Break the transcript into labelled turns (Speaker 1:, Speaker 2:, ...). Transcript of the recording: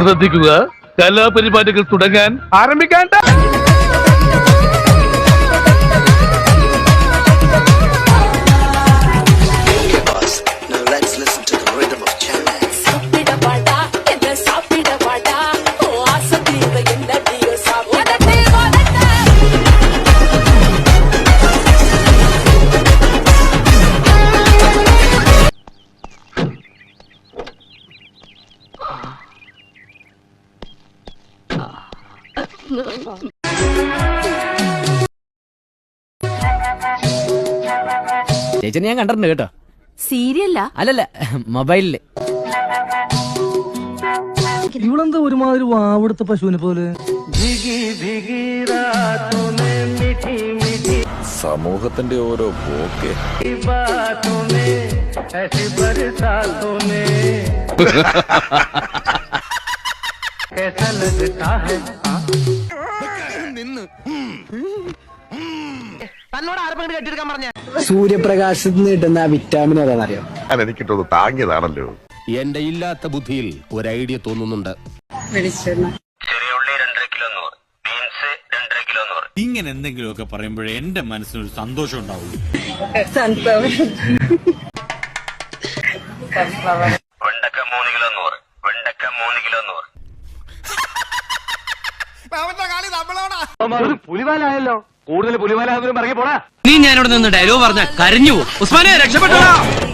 Speaker 1: ശ്രദ്ധിക്കുക, കലാപരിപാടികൾ തുടങ്ങാൻ ആരംഭിക്കാൻ.
Speaker 2: ചേച്ചനെ ഞാൻ കണ്ടിട്ടുണ്ട് കേട്ടോ.
Speaker 3: സീരിയല്ല
Speaker 2: അല്ലല്ല, മൊബൈലില്.
Speaker 4: ഇവളെന്താ ഒരുമാതിരി വാവെടുത്ത പശുവിനെ പോലെ?
Speaker 5: സമൂഹത്തിന്റെ ഓരോ പോക്കെ.
Speaker 6: സൂര്യപ്രകാശത്ത് നിന്ന് കിട്ടുന്ന വിറ്റാമിൻ ഏതാണെന്നറിയോ?
Speaker 5: എനിക്കിട്ടത് താങ്ങിയതാണല്ലോ.
Speaker 7: എന്റെ ഇല്ലാത്ത ബുദ്ധിയിൽ ഒരു ഐഡിയ തോന്നുന്നുണ്ട്.
Speaker 8: ഇങ്ങനെ എന്തെങ്കിലുമൊക്കെ പറയുമ്പോഴേ എന്റെ മനസ്സിനൊരു സന്തോഷം ഉണ്ടാവുള്ളൂ.
Speaker 4: പുലിവാലായല്ലോ. കൂടുതൽ പുലിവാലാകുന്നതിനും ഇറങ്ങി പോടാ.
Speaker 2: നീ ഞാനിവിടെ നിന്ന് ഡയലോഗ് പറഞ്ഞ കരഞ്ഞു പോകും. ഉസ്മാനെ രക്ഷപ്പെട്ടോ.